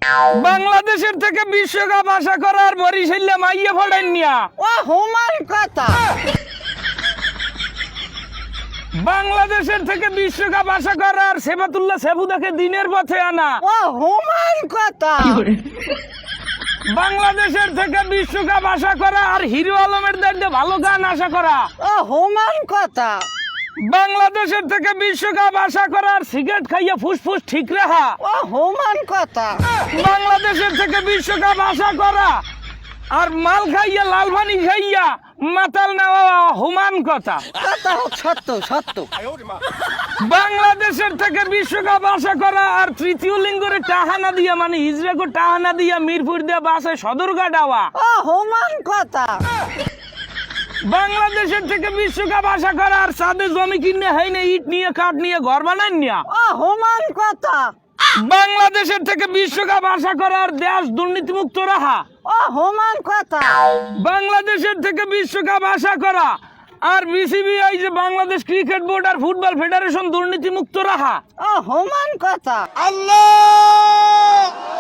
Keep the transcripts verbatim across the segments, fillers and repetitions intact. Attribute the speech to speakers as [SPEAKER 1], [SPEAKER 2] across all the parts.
[SPEAKER 1] বাংলাদেশের থেকে বিশ্বকাপ আশা করার বরিশালে মাইয়া ফড়াই নিয়া
[SPEAKER 2] ও হুমান কথা
[SPEAKER 1] বাংলাদেশের থেকে বিশ্বকাপ আশা করার সেবাতুল্লাহ সেবুদাকে দিনের পথে আনা
[SPEAKER 2] ও হুমান কথা
[SPEAKER 1] বাংলাদেশের থেকে বিশ্বকাপ আশা করা আর হিরো আলমের দায়িত্বে ভালো গান আশা করা
[SPEAKER 2] ও হুমান কথা
[SPEAKER 1] বাংলাদেশের থেকে বিশ্বকাপ আশা করার সিগারেট খাইয়া ফুসফুস ঠিক রাখা
[SPEAKER 2] ও হুমান কথা
[SPEAKER 1] বাংলাদেশের থেকে বিশ্বকাপ আশা করা আর মাল খাইয়া লাল পানি খাইয়া মাতাল নেওয়া হুমান কথা
[SPEAKER 2] কথা সত্য সত্য
[SPEAKER 1] বাংলাদেশের থেকে বিশ্বকাপ আশা করা আর তৃতীয় লিঙ্গরে টাহানা দিয়া মানে ইজরাকো টাহানা দিয়া মিরপুর দিয়া বাসে সদরঘাট আওয়া
[SPEAKER 2] ও হুমান কথা
[SPEAKER 1] বাংলাদেশের থেকে বিশ্বকাপ আশা করা আর সাদে জমি কিনে হয় না ইট নিয়ে কাঠ নিয়ে ঘর বানান নিয়া
[SPEAKER 2] ও হুমান কথা
[SPEAKER 1] বাংলাদেশের থেকে বিশ্বকাপ আশা করার দেশ দুর্নীতিমুক্ত রাখা
[SPEAKER 2] ও হুমান কথা
[SPEAKER 1] বাংলাদেশের থেকে বিশ্বকাপ আশা করা আর বিসিবি এই যে বাংলাদেশ ক্রিকেট বোর্ড আর ফুটবল ফেডারেশন দুর্নীতিমুক্ত রাখা
[SPEAKER 2] ও হুমান কথা
[SPEAKER 3] আল্লাহ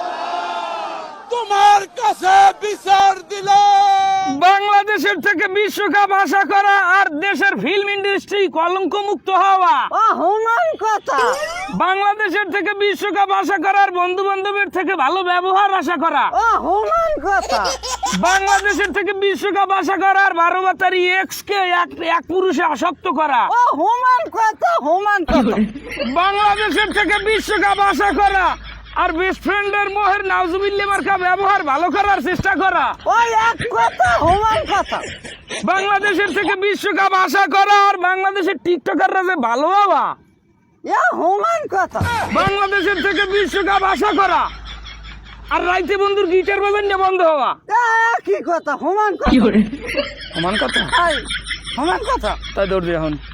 [SPEAKER 3] তোমার কাছে বিচার দিলাম।
[SPEAKER 1] বাংলাদেশের থেকে বিশ্বকাপ আশা করা আর দেশের ফিল্ম ইন্ডাস্ট্রি কলঙ্ক মুক্ত হওয়া
[SPEAKER 2] ও হুমান কথা
[SPEAKER 1] বাংলাদেশের থেকে বিশ্বকাপ আশা করার বন্ধু বান্ধবের থেকে ভালো ব্যবহার আশা করা
[SPEAKER 2] ও হুমান কথা
[SPEAKER 1] বাংলাদেশের থেকে বিশ্বকাপ আশা করার বারো বাতারি এক্স কে এক এক পুরুষে আসক্ত করা
[SPEAKER 2] ও হুমান কথা হুমান কথা
[SPEAKER 1] বাংলাদেশের থেকে বিশ্বকাপ আশা করা আর বেস্ট ফ্রেন্ডের মোহের নাউজুবিল্লাহ মার্কা ব্যবহার ভালো করার চেষ্টা করা
[SPEAKER 2] ওই এক কথা হুমান কথা
[SPEAKER 1] বাংলাদেশের থেকে বিশ্বকাপ আশা করা আর বাংলাদেশের টিকটকাররা যে ভালো হওয়া
[SPEAKER 2] এ হুমান কথা
[SPEAKER 1] বাংলাদেশের থেকে বিশ্বকাপ আশা করা আর রাইতে বন্ধুর গিটার বাজান নিয়ে বন্ধ হওয়া
[SPEAKER 2] এ কি কথা হুমান কথা
[SPEAKER 1] সমান কথা
[SPEAKER 2] এই হুমান কথা
[SPEAKER 1] তাই দৌড় এখন